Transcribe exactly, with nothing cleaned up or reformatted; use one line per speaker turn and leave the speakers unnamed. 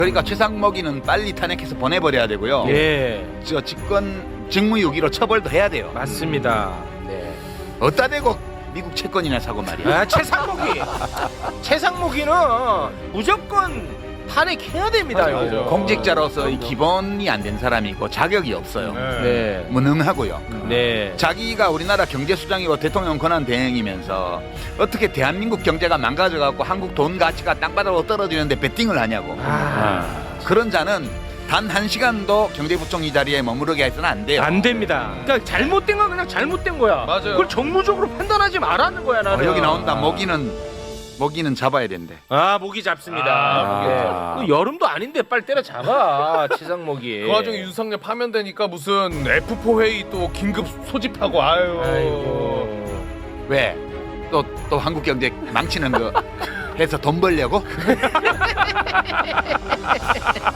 그러니까 최상목이는 빨리 탄핵해서 보내버려야 되고요.
예.
저 직권 직무유기로 처벌도 해야 돼요.
맞습니다. 네.
어따 대고 미국 채권이나 사고 말이야.
아, 최상목이. 최상목이는 무조건 탄핵해야 됩니다.
맞아,
이거.
맞아.
공직자로서 이 기본이 안 된 사람이고 자격이 없어요.
네.
무능하고요.
네.
자기가 우리나라 경제수장이고 대통령 권한 대행이면서 어떻게 대한민국 경제가 망가져갖고 한국 돈 가치가 땅바닥으로 떨어지는데 베팅을 하냐고.
아,
그런 자는 단 한 시간도 경제부총리 자리에 머무르게 해서는 안 돼요.
안 됩니다. 그러니까 잘못된 건 그냥 잘못된 거야.
맞아요.
그걸 정무적으로 판단하지 말라는 거야, 나는.
어, 여기 나온다. 모기는 모기는 잡아야 된대.
아, 모기 잡습니다.
아,
예. 그 여름도 아닌데 빨리 때려 잡아. 최상목이.
그 와중에 윤석열 파면되니까 무슨 에프 사 회의 또 긴급 소집하고 아유.
아이고.
왜? 또 또 한국 경제 망치는 거 해서 돈 벌려고?